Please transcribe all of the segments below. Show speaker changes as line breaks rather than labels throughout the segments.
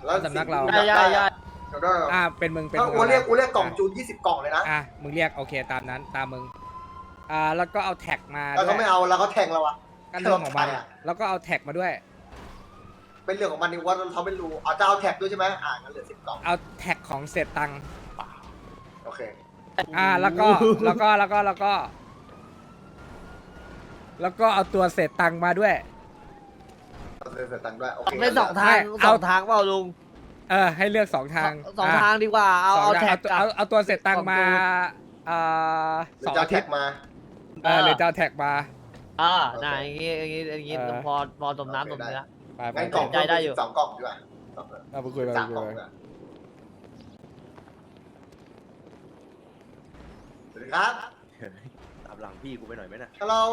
แล้ว
สำนักเรา
ได้
เป็นมึงเป็น
ถ้า
มึง
กูเรียกกล่องจูน20 กล่องเลยนะ
มึงเรียกโอเคตามนั้นตามมึงแล้วก็เอาแท็กมา
แล้ว
ด้
ก็
วย
ไม่เอาแล้วเขาแทงเราอะ
กันเรื่องของมัน
ใครอะ
แล้วก็เอาแท็กมาด้วย
เป็นเรื่องของมันนี่ว่าเขาไม่รู้เอาจะเอาแท็กด้วยใช่ไหมงั้นเหลือ10 กล่อง
เอาแท็กของเศษตังค์
โอเค
แล้วก็เอาตัวเศษตังค์มาด้วย
เอาเสร็จตังค์ด้วยโอเค
ไม่สองทาง
เอา
เปล่าลุง
ให้เลือกสองทาง
สองทางดีกว่าเอาแท็ก
เอาตัวเศษตังค์มา
หรือจะเอาแท็กมา
หรือจะเอาแท็กมา
น่าอย่างงี้พอตมน้ำตมเนื้อ
ไป
งั้นกล่อง
ใจได้อยู่
2 กล่องดีกว่า
เอาไปคุยไป
3 กล่องดีกว่าสวัสดีครับ
ตามหลังพี่กูไปหน่อยไหมนะ
ฮัลโหล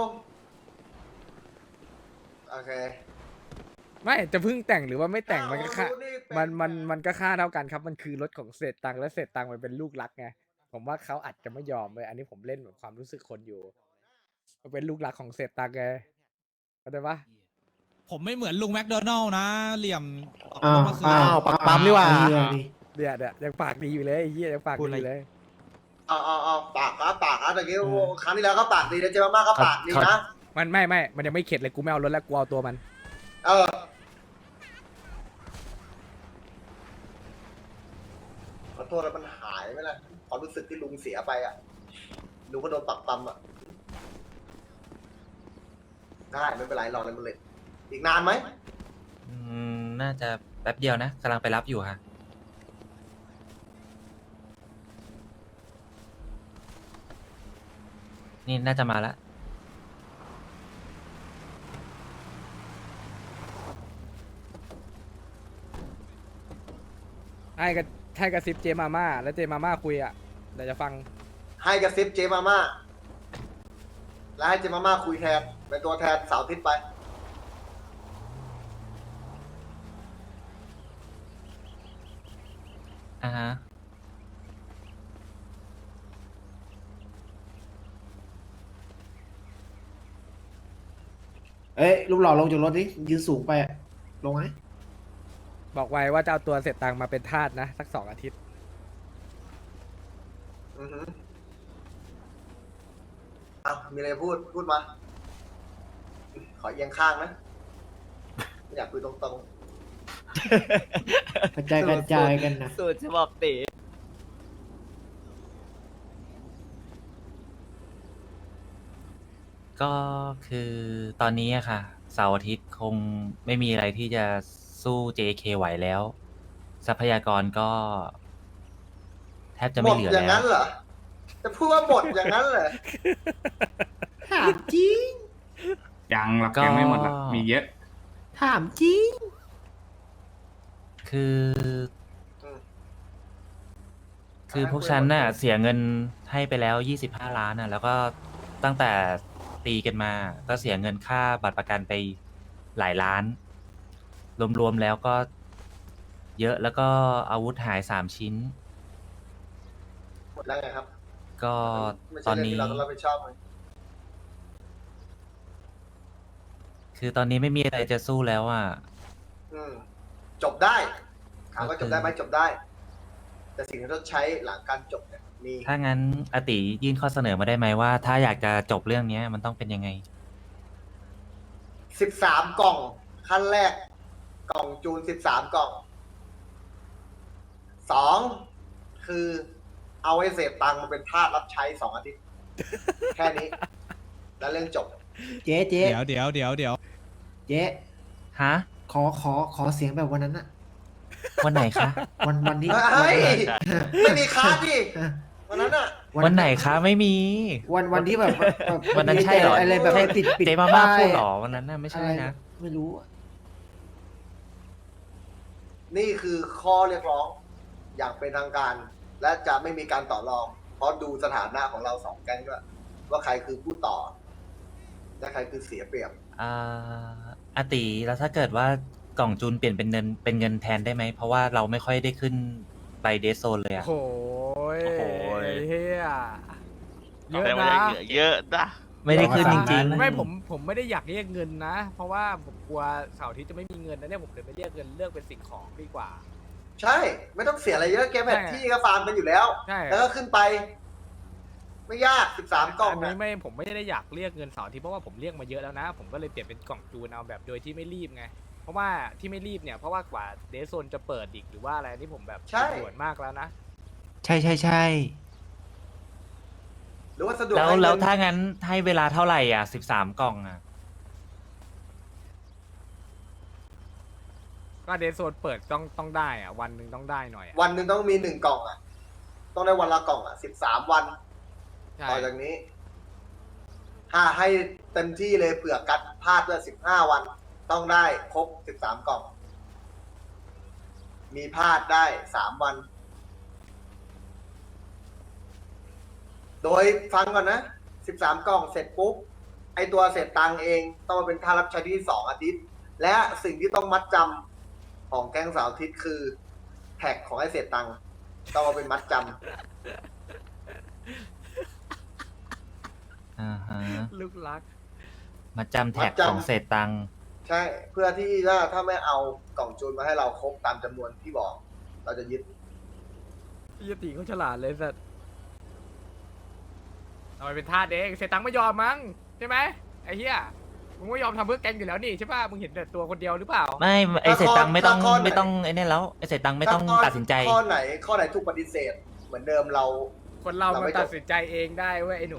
โอเค
ไม่จะเพิ่งแต่งหรือว่าไม่แต่งมันก็ค่า
เอานี่เป็น
มันก็ค่าเท่ากันครับมันคือรถของเศษตังค์และเศษตังค์มันเป็นลูกรักไงผมว่าเขาอาจจะไม่ยอมเลยอันนี้ผมเล่นแบบความรู้สึกคนอยู่มันเป็นลูกรักของเศษตังค์ไงเข้าใจปะ
ผมไม่เหมือนลุงแมคโดนัลล์นะ เหลี่ยม
ปั๊มดีกว่า
เนี่ยยังปากดีอยู่เลยไอ้เหี้ยยังปากดีอยู่เลย
เอาปากครับตะกี้โอ้โหครั้งที่แล้วก็ปากดีนะเจมาม่าก็ปากดีนะ
มันไม่มันยังไม่เข็ดเลยกูไม่เอารถแล้วกูเอาตัวมัน
ขอโทษแล้วมันหายไปแล้วความรู้สึกที่ลุงเสียไปอ่ะลุงก็โดนปักปั๊มอ่ะได้ไม่เป็นไรรอเลยมันเลยอีกนานไหม
น่าจะแป๊บเดียวนะกำลังไปรับอยู่ค่ะนี่น่าจะมาแล้ว
ให้กระซิบเจมาม่าแล้วเจมาม่าคุยอ่ะเดี๋ยวจะฟัง
ให้กระซิบเจมาม่าแล้วให้เจมาม่าคุยแทนเป็นตัวแทนเสาร์อาทิตย์ไป
ฮะ
เอ้ยรูปหล่อลงจากรถดิยืนสูงไปอะลงไหม
บอกไว้ว่าจะเอาตัวเศษตังค์มาเป็นทาสนะสัก2 อาทิตย์
อือหือเอามีอะไรพูดมา ขอเอียงข้างนะไม่อยากคุยตรง
กระจายกันนะ
สูตรฉบับตี
ก็คือตอนนี้อะค่ะเสาร์อาทิตย์คงไม่มีอะไรที่จะสู้ JK ไหวแล้ว ทรัพยากรก็ แทบจะ
ๆหม
ไม่
ด
เหลือ
อย่าง
แล้
นั้
ว
นเหรอ จะพูดว่าหมดอย่างนั้นเหรอ
ถามจริง
ยังหรอกยังไม่หมดหรอกมีเยอะ
ถามจริง
คือ
อืม
คือพวกฉันน่ะเสียเงินให้ไปแล้ว25 ล้านน่ะ แล้วก็ตั้งแต่ตีกันมา ก็เสียเงินค่าบัตรประกันไปหลายล้าน รวมๆแล้วก็เยอะแล้วก็อาวุธหาย3 ชิ้น
หมดแล้วไงครับ
ก็
ไม่
ต
ใช่
อน
เรื่อง
นี้
ที่เราต้องรับผิดชอบเลย
คือตอนนี้ไม่มีอะไรจะสู้แล้วอ่ะ
อืมจบได้ถามว่าจบได้ไหมจบได้ แต่สิ่งที่ต้องใช้หลังการจบเนี่ยมี
ถ้างั้นอติยื่นข้อเสนอมาได้ไหมว่า ถ้าอยากจะจบเรื่องเนี้ยมันต้องเป็นยังไง
13 กล่อง ขั้นแรก กล่องจูน 13 กล่อง 2 คือ เอาไอ้เศษตังค์มาเป็นทาสรับใช้ 2 อาทิตย์ แค่นี้ แล้วเรื่องจบ
เจ๊
เดี๋ยว
เจ๊
ฮะ
ขอเสียงแบบวันนั้นอะ
วันไหนคะ
วันที่
เฮ้ย ไม่มีค้าดิ
อ่ะ
วันนั้นอ่ะ
วันไหนคะไม่มี
วันที่แบบ
วันนั้นใช่เหรอ
อะไรแบบ
ใช่
ปิด
เจมาม่า
ป้ย
พูดเหรอวันนั้นน่ะไม่ใช่
อะไร
นะ
ไม่รู้อะ
นี่คือข้อเรียกร้อง อย่างเป็นทางการ และจะไม่มีการต่อรอง เพราะดูสถานะของเรา2 แก๊งด้วยว่าใครคือผู้ต่อ และใครคือเสียเปรียบ
อาติแล้วถ้าเกิดว่ากล่องจูนเปลี่ยนเป็นเงินแทนได้ไหม เพราะว่าเราไม่ค่อยได้ขึ้นไปเดซโซนเลยอะ
โอ้โหเฮียเยอะ
แต่ว่า
นะ
ยังเหลือเยอะนะ
ไม่ได้ขึ้นจริง
ไม่ผมไม่ได้อยากเรียกเงินนะ เพราะว่าผมกลัวเสาร์อาทิตย์จะไม่มีเงินนะเนี่ยผมเลยไม่เรียกเงินเลือกเป็นสิ่งของดีกว่า
ใช่ ไม่ต้องเสียอะไรเยอะเกมแพท
ใช่
ที่ก็ฟาร์มกันอยู่แล้ว
ใช่
แล้วก็ขึ้นไป ไม่ยาก13 กล่อง
อันนี้
นะ
ไม่ผมไม่ได้อยากเรียกเงินเสาร์อาที่เพราะว่าผมเรียกมาเยอะแล้วนะ ผมก็เลยเปลี่ยนเป็นกล่องจูนเอาแบบโดยที่ไม่รีบไง เพราะว่าที่ไม่รีบเนี่ยเพราะว่ากว่าเดซโซนจะเปิดอีกหรือว่าอะไรนี่ผมแบบ
ใช่
ด่วนมากแล้วนะ
ใช่ใช่ใช่
หรือว่าสะดวก
แล้ว
ให้เงิน
แล้วถ้างั้นให้เวลาเท่าไหร่อ่ะ13 กล่องอ่ะ
ก็เดซโซนเปิดต้องได้อะวันหนึ่งต้องได้หน่อยอะ
วันหนึ่งต้องมี1 กล่องอ่ะ ต้องได้วันละกล่องอ่ะ13 วัน
ใช่
ต่อจากนี้ ถ้าให้เต็มที่เลยเผื่อกัดพลาดด้วย15 วัน ต้องได้ครบ13 กล่อง มีพลาดได้3 วัน โดยฟังก่อนนะ13 กล่องเสร็จปุ๊บ ไอตัวเสร็จตังค์เองต้องมาเป็นค่ารับใช้ที่2 อาทิตย์ และสิ่งที่ต้องมัดจำของแก๊งเสาร์อาทิตย์คือแท็กของไอเสร็จตังค์ต้องมาเป็นมัดจำ
อ่าฮะ
ลูกรัก
มาจำแท็กของเศษตังค์
ใช่ เพื่อที่ถ้าไม่เอากล่องจูนมาให้เราครบตามจำนวนที่บอก เราจะยึด
ยตีเขาฉลาดเลยสัตว์ทำไมเป็นทาสเองเสียตังค์ไม่ยอมมั้งใช่ไหมไอ้เหี้ยมึงไม่ยอมทำเพื่อแกงอยู่แล้วนี่ใช่ป่ะมึงเห็นแต่ตัวคนเดียวหรือเปล่า
ไม่ไอเศษตังค์ไม่ต้อง
ถ้าข้อไหน
ไม่ต้องไอเนี่ยแล้วไอเศษตังค์ไม่ต้อง
ถ้าข้
ตัดสินใจ
ข้อไหนถูกปฏิเสธ เหมือนเดิมเรา
คนเรา
เรา
มัน
ไม่จบ
ตัดสินใจเองได้เว้ยไอ้หนู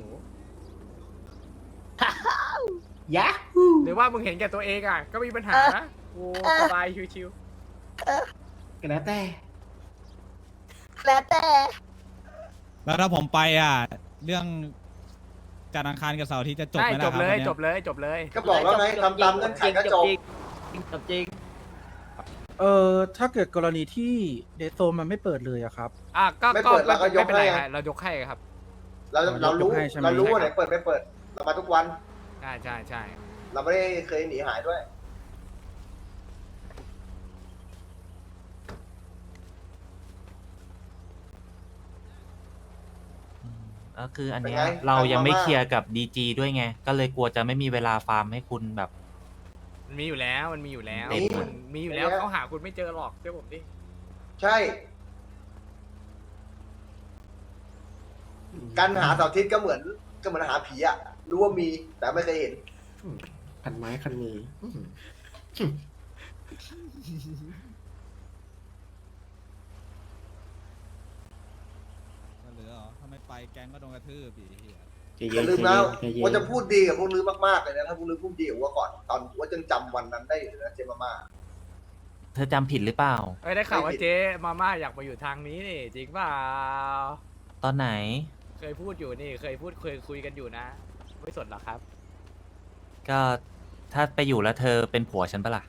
ยะ
หรือว่ามึงเห็นแก่ตัวเองอ่ะก็มีปัญหานะกูสบายชิว
ก็แล้วแต่
แล้วแต่
แล้วถ้าผมไปอ่ะ เรื่องจันทร์อังคารกับเสาร์อาทิตย์จะ
ๆ
จบ
ใช่
ไหมล่ะ
จ
ครับ
เลย
วันนี้
จบเลยจบเลย
ก็บอกแล้วไงทำตามเงื่อนไขก็จบ
จบจริง
ถ้าเกิดกรณีที่เดซโซนมันไม่เปิดเลยอะครับ
อ่ะก็
ไม่เปิดเราก็ยก
ไม่เป็นไร
ให้ไง
ฮะเรายกให้ครับ
เรารู้
ยกให้ใช่ไหม
เรารู้ว่าไหนเปิดไม่เปิด เรามาทุกวัน
ใช่ใช่ใช่
เราไม่ได้เคยหนีหายด้วย
ก็คืออันเนี้ย
เป็นไง
เรายังไม่
ทางมาม่า
เคลียร์กับดีจีด้วยไง ก็เลยกลัวจะไม่มีเวลาฟาร์มให้คุณแบบ
มันมีอยู่แล้วมันมีอยู่แล้ว
นี่
มันมีอยู่แล้วเขาหาคุณไม่เจอหรอกเชื่อผมดิ
ใช่ การหาเสาร์อาทิตย์ก็เหมือนหาผีอะรู้ว่ามีแต่ไม่เคยเห็น
คันไม้คันมืออื้อหือ
เหลือเหรอถ้าไม่ไปแก๊งก็โดนกระทืบอีกเหี้ย
ใจเย็
อย่าน ลืม
ใจ
นะ
เย็นใจเย็น
ว่าจะพูดดีกับพวกลือมากๆเลยนะถ้าพวกลือพูดดีกับว่าก่อน ตอนว่ายังจำวันนั้นได้อยู่เลยนะเจมาม่า
เธอจำผิดหรือเปล่า
เอ้ยได้ข่าวว่า
ไม่ผิด
เจ๊มาม่าอยากมาอยู่ทางนี้นี่จริงเปล่า
ตอนไหน
เคยพูดอยู่นี่เคยคุยกันอยู่นะ ไม่สนหรอกครับ
ก็ถ้าไปอยู่แล้วเธอเป็นผัวฉันปะล่ะ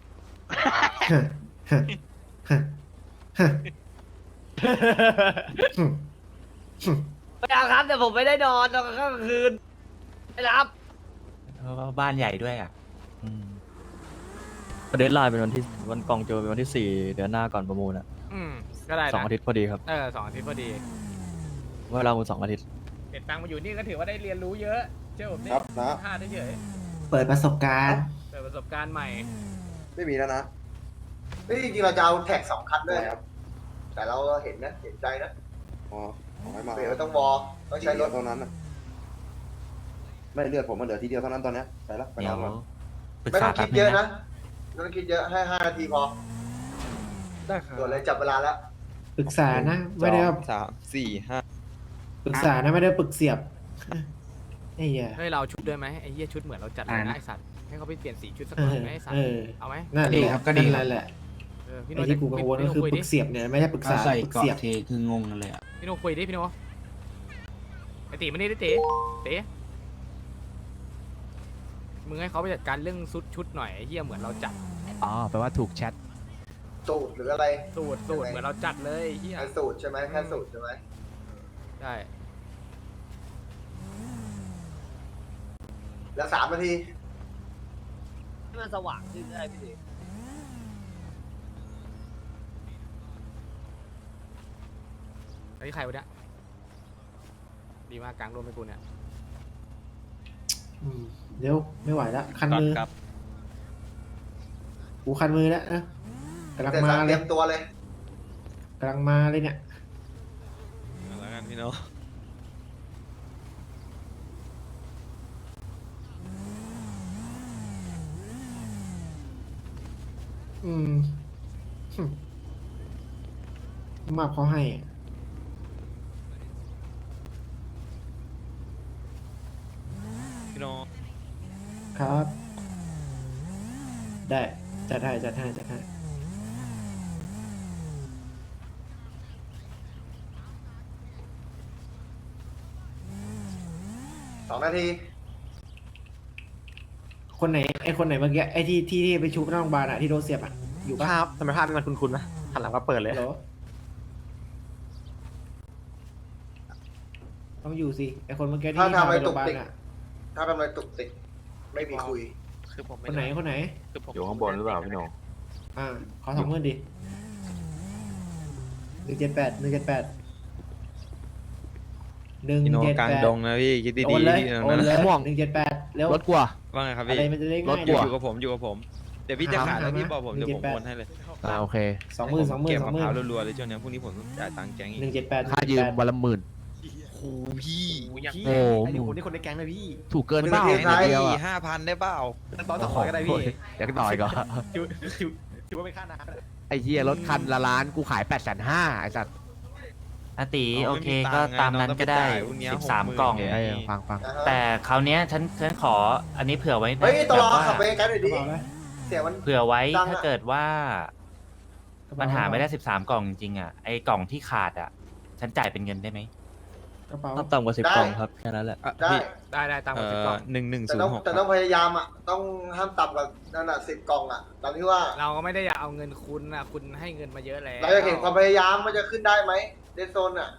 ไม่เอาครับแต่ผมไม่ได้นอนตอนกลางคืนไม่รับ
เพราะว่าบ้านใหญ่ด้วยอ่ะ อืม
เดทไลน์เป็นวันกองโจเป็นวันที่ 4 เดือนหน้าก่อนประมูลอ่ะ
ก็ได้นะ
2 อาทิตย์พอดีครับ
2 อาทิตย์พอดี
เวลามูล2 อาทิตย์
เก็บตังค์มาอยู่นี่ก็ถือว่าได้เรียนรู้เยอะเชื่อผมดิ
ครับนะ
พลาดได้เฉย
เปิดประสบการณ์
เปิดประสบการณ์ใหม่
ไม่มีแล้วนะนี่จริงๆเราจะเอาแท็ก2 คันด้วยครับ แต่เราเห็นนะเห็นใจนะ
อ๋อของไม่มา
เดี๋ยวต้องวอต้องใช้รถ
เท่านั้นนะไม่เลือดผมมันเหลือทีเดียวเท่านั้นตอนเนี้ยไปละไป
เดี๋
น
ย
อ
วน
ก่อน
ปรึก
ไม่
ษา
ต้อง
แป๊
คิ
บ
ด
นึ
เย
ง
อะ
นะ
นะไม่ต้องคิดเยอะให้5 นาทีพอ
ได้ครับ
ด่วนเลยจับเวลาแล้ว
ปรึกษานะ ไม่ได้ว่า
3 4 5
ปรึกษานะไม่ได้ปรึกเสียบไอ้เหี้ย
เฮ้ยเราเอาชุดด้วยไหมไอ้เหี้ยชุดเหมือนเราจัดเลย
อ่า
นะ
นะ
ไอ้สัตว์ให้เขาไปเปลี่ยนสีชุดสัก
เอ
หน่อย
อ
ไหมไอ้สัต
เอ
ว์
อ
เอาไหม
นั่น
ดี
แหละ
ครับก็ดี
นั่นแหละ
พี่โน
ไอ้ที่กูกังวลก็คือ
คุย
ป
ดิ
รึกเสียบเนี่ยไม่ใช่ปรึกษา
ใส่
ปรึก
เกาะ
เสียบ
เทคืองงกันเลยอ่ะ
พี่โนคุยดิพี่โนไอตีมานี่ดิตีตีมึงให้เขาไปจัดการเรื่องชุดหน่อยไอ้เหี้ยเหมือนเราจัด
อ๋อ แปลว่าถูกแชท
สูตรหรืออะไร
สูตรเหมือนเราจัดเลยไอ้เหี้ย
แค่สูตรใช่ไหมแค่สูตรใช่ไหม
ใช่
เหลือ3 นาที
ให้มันสว่างขึ้นได้พี่ดิ
อันนี้ใครวะเนี่ยดีมากกลางร่วมให้กูเนี่ย
อืมเร็วไม่ไหวแล้วคันมือกูคันมือแล้วนะกำลัง
แต่
มา
สั่งเต
เล
รี
ย
ยมตัวเลย
กำลังมาเลยเนี่ย
แล้วกันพี่โน้อง
อืมมากเขาให้อะ
พี่โน้อง
ครับ ได้จัดให้จัดให้จัดให้
2 นาที
คนไหนไอคนไหนเมื่อกี้ไอที่ไปชุบหน้าโรงพยาบาลอะที่โดนเสียบอะอยู่ปะ
ครับทำไมภาพมันคุ้นๆนะหันหลังก็เปิดเลย
เหรอต้องอยู่สิไอคนเมื่อกี้ที่
ถ้าทำอะไร
พาไปโรงพยาบาล
ตุกติก
อะ
ถ้าทำอะไรตุกติกไม่มีคุย
คือผม
คนไหนคนไหน
อยู่ข้างบนหรือเปล่าพี่โหนง
ขอ20,000ดิ178 178
พี่โน้องกลางดงนะพี่คิด
โอ
ดี
นเลย
ๆพี่
โอนเลย
ม่วง
178แล้ว
รถกลัว
ว่าไงครับ
อะ
พี่
ไรมันจะได้
ร
ง่า
ถ
ย
กลัว
อยู่กับผมอยู่กับผม เดี๋ยวพี่จะขายแล้วพี่บอกผมเดี๋ยวผมโอนให้เลย
โอเค
20,000
เก็บมะพร้าว
20,000
รัวๆเลยช่วงนี้พรุ่งนี้ผมต้องจ่ายตังค์แก๊งอีก
178
ค่ายืมวันละ10,000
โอ้พี่
โอ้โห
คนนี้คนในแก๊งเลยพี่
ถูกเกินเปล่า
คือ
เดียวอะ
5,000ได้เปล่า
ตอนต่อก็ได้พี่
อยากต่อยก็
ถือว่าเป็นค่าน้ำก็ได้
ไอ้เหี้ยรถคันละล้านกูขาย850,000ไอ้สัตว์
อาติ
น้
โอ
องไม่
เค
มีตั
ก็
งค์ไง
ตามนั้น
น้องต้อง
ก็ได้
ไปจ่ายพรุ่งนี้
13 กล่อง
60,000
ไอ้ฟัง
อ่าฮะ
แต่คราวเนี้ยฉันขออันนี้เผื่อไว้นะ
เฮ้ยตลอ
แบบว่า
ขับไปไกลหน่อย
กระ
ดิ
เป๋าอะไร
เสียมัน
เผื่อไว้
ตังค์อะ
ถ้าเกิดว่า
กระเป๋
มันหาไม่ได้ 13 กล่องจริงๆอ่ะไอ้กล่องที่ขาดอ่ะ ฉันจ่ายเป็นเงินได้ไหม
กระเป๋า
ต่ำกว่า
ได้
10 กล่องครับ แค่นั้นแหละ
ได้
ได้ตามกฎกล่อง
แต่ต้อง
1106
แต่ต้องพยายามอ่ะ ต้องห้ามต่ำกว่านั่นอ่ะ10 กล่องอ่ะตามที่ว่า
เราก็ไม่ได้อยากเอาเงินคุณนะคุณให้เงินมาเยอะแล้ว
เราจะเห็นความพยายามว่าจะขึ้นได้ไหมเดนโซนอ่ะ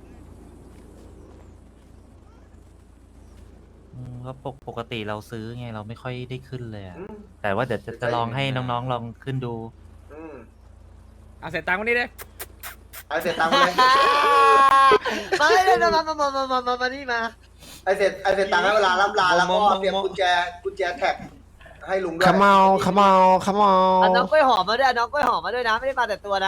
ก็ปกติเราซื้อไงเราไม่ค่อยได้ขึ้นเลยอะ
อืม
แต่ว่าเดี๋ยวจะลองให้น้องๆลองขึ้นดู
อืม
เอาเสร็จตังค์วันนี้เลย
ไอเสร็จตังค์มาเลย
มาเลยมานี่มา
ไอเสร็จตังค์ให้เวลาล่ำลาแล้วก็เตรียมกุญแจแท็กให้ลุงด้วย
ขมเอา
เอาน้องกล้วยหอมมาด้วยเอาน้องกล้วยหอมมาด้วยนะไม่ได้มาแต่ตัวนะ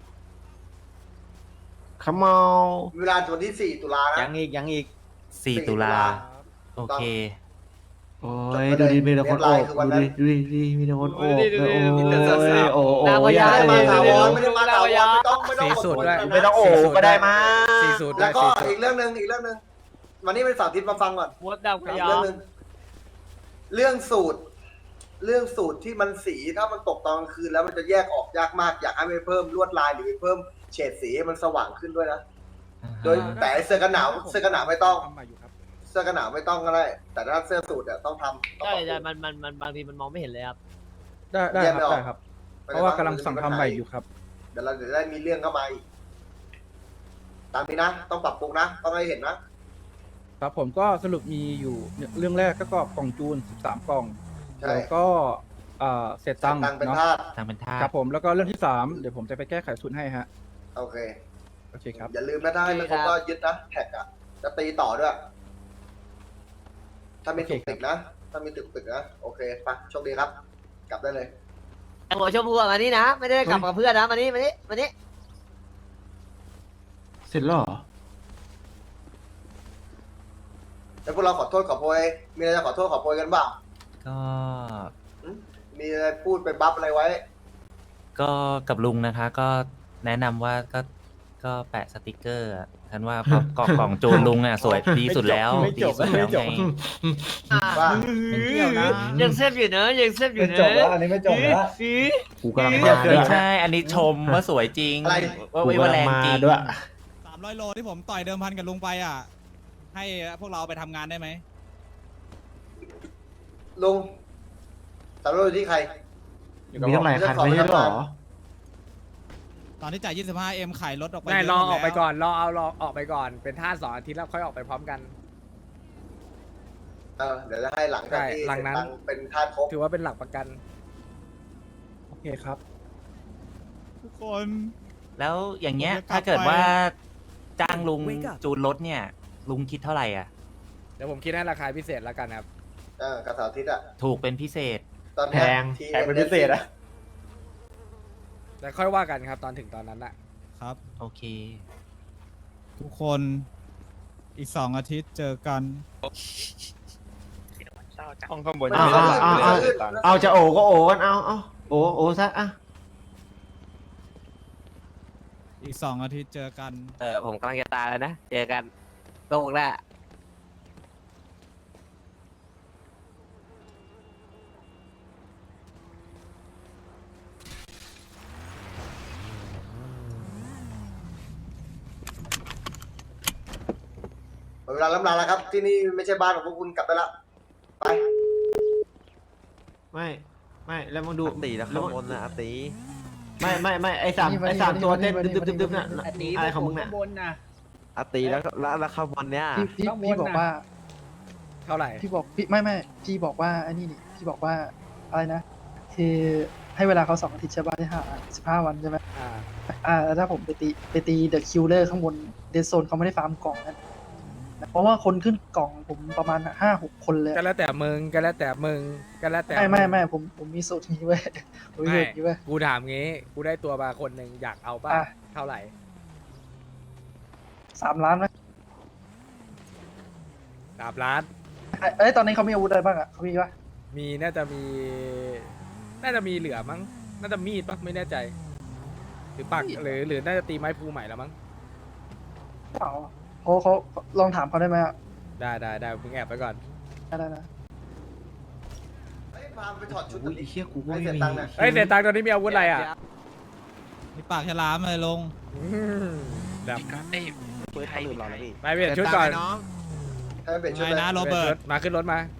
ขมเอา
เวลาวันที่ 4 ตุลานะ
ยังอีก
4 ตุลาโอเค
โอ้ยดูดิมีแต่คนโอบดูดิมีแต่คนโอบโอ้โอ้
นางพ
อ
ญา
ย่า
ไม่ได้มาถาวร
เ
ไม่ได้มาถาวรไม่ต้อง
สี่สูตรด้วย
ไม่ต้องโอบก็ได้มา
สี่สูตรด้
แล้ว วย ก็
สี่สูตร
อีกเรื่องหนึ่งวันนี้เป็นสาธิตมาฟังก่อน
มดดำพญา
เรื่องหนึ่งเรื่องสูตรที่มันสีถ้ามันตกตอนกลางคืนแล้วมันจะแยกออกยากมากอยากให้ไปเพิ่มลวดลายหรือไปเพิ่มเฉดสีให้มันสว่างขึ้นด้วยนะโดยแต่เสื้อกันหนาวไม่ต้อง
ทำมาอยู่ครับ
เสื้อกันหนาวไม่ต้องก็ได้ แต่ถ้าเสื้อสูทเนี่ยต้องทำต้อง
ใช่
ปรับปรุง
ใช่มันบางทีมันมองไม่เห็นเลยครับ
ได้
แยก
ค
ไม่
รับ
ออก
ได้ครับ เพราะว่ากำลังสั่งทำใหม่อยู่ครับ
เดี๋ยวเราจะได้มีเรื่องเข้ามาอีกตามนี้นะ ต้องปรับปรุงนะ ต้องให้เห็นนะครับ
ผมก็สรุปมีอยู่เรื่องแรกก็กล่องจูน13 กล่อง
ใช่
แล้วก็เศษตังค์
ตังค์เป็น
เนาะ
ธาตุ
ทางเป็นท่า
ครับผมแล้วก็เรื่องที่3เดี๋ยวผมจะไปแก้ไขสูตรให้ฮะ
โอเค
โอเคครับ
อย่าลืมนะถ้าให้มันครบก็ยึดนะแท็กอะจะตีต่อด้วย ถ้ามีตุกติกนะ ถ้ามีตุกติกนะโอเคไปโชคดีครับ กลับได้เลย
ไอ้หัวชมพูอะมานี่นะ ไม่ได้กลับกับเพื่อนนะมานี่มานี่
เสร็จแล้วเหรอ
แล้วพวกเราขอโทษขอโพยมีอะไรจะขอโทษขอโพยกันบ้าง
ก็
มีอะไรพูดไปบัฟอะไรไว้
ก็กับลุงนะคะ ก็แนะนำว่าก็แปะสติกเกอร์อะฉันว่าเพราะกล่องจูนลุงอ่ะสวยดีสุดแล้วดีสุดแล้วไง
ว่า
ยังเซฟอยู่เนอะยังเซฟอยู่เนอะ
กูกำลัง
ไม่
มาด้วย
ใช่ อันนี้ชมว่าสวยจริง
อะไร
ว่าแรงจริง
ด้วย
300 โลที่ผมต่อยเดิมพันกับลุงไปอ่ะ ให้พวกเราไปทำงานได้ไหม
ลุงสำรวจที่ใคร
มีตั้งหลายคันไม่ใช่เหรอ
ตอนที่จ่าย 25M ขายรถออกไป
ไม่
เยะ
รอ
หมด
ออกไป
แล้ว
ก่อนรอออกไปก่อน เป็นท่า2 อาทิตย์แล้วค่อยออกไปพร้อมกัน
เดี๋ยวจะให้หลังจากที่
ใช่หลังนั้น
ตังค์เป็นธาตุครบ
ถือว่าเป็นหลักประกัน
โอเคครับ
ทุกคน
แล้วอย่างเงี้ย
ผมจะกลับ
ถ้าเกิด
ไป
ว่าจ้างลุงจูนรถเนี่ย ลุงคิดเท่าไหร่อ่ะ
เดี๋ยวผมคิดให้ราคาพิเศษแล้วกันครับ
กับเสาร์อาทิตย์อะ
ถูกเป็นพิเศษ
ตอนเนี้ย
แพง
ที
แพงเป็นพิเศษอะ
แต่ค่อยว่ากันครับตอนถึงตอนนั้นอะ
ครับ
โอเค
ทุกคนอีก2 อาทิตย์เจอกัน
ห้องข้างบน
เอาเอาจะโอก็โอกันเอาโอซะอ่ะ
อีก2 อาทิตย์เจอกัน
ผมกำลังจะตายแล้วนะ เจอกันโลกหน้า
เวลาล้ำลาแล้วครับ ที่นี่ไม่ใช่บ้านของพวกคุณกลับไปละไป
ไม่แล้วมึงดู
ตีแล้วข้างบนนะตี
ไม่ไอ้สามตัวเต้นดึบๆน่ะอะไรของมึงน่ะ
ตีแล้วข้างบนเนี้ย
พี่บอกว่า
เท่าไหร่
พี่บอกพี่ไม่พี่บอกว่าไอ้นี่นี่พี่บอกว่าอะไรนะคือให้เวลาเขา2 อาทิตย์ใช่ป่ะที่หา15 วันใช่ไหม แล้วถ้าผมไปตีเดอะคิลเลอร์ข้างบนเดซโซนเขาไม่ได้ฟาร์มกล่องกันเพราะว่าคนขึ้นกล่องผมประมาณ5-6 คนเลย
ก็แล้วแต่มึงก็แล้วแต่มึงก็แล้วแต่
ไม่ผมมีสูตรนี้เว้ยผมมีสูตรนี้เว้ย
กูถามงี้ กูได้ตัวมาคนหนึ่งอยากเอาป่ะ
อ่ะ
เท่าไหร่
3 ล้านไหม
3 ล้าน
ตอนนี้เขามีอาวุธอะไรบ้างอ่ะเขามีปะ
มีน่าจะมีเหลือมั้ง น่าจะมีดปะไม่แน่ใจ หรือปักหรือน่าจะตีไม้ภูใหม่แล้วมั้ง
เปล่าเขาลองถามเขาได้ไหมอ่ะ
ได้มึงแอบไปก่อน
ได้
เฮ้ยพาไปถอดชุด
อุ้ยไอ้เหี้ยกูก็
ให้
ไม่
เสีย
มี
ตังค์นะ
เฮ้ยเสียตังค์ตอนนี้มีอาวุธอะไรอ่ะ
มีปากฉลามเลยลง
แบบ
ปืนเขาลืมเราแล้วพี่
ไปเปลี่ยนชุดก่อน
ให้มันเปลี่ยนชุด
ไง
เลย
นะโรเบิร์ต
มาขึ้นรถมา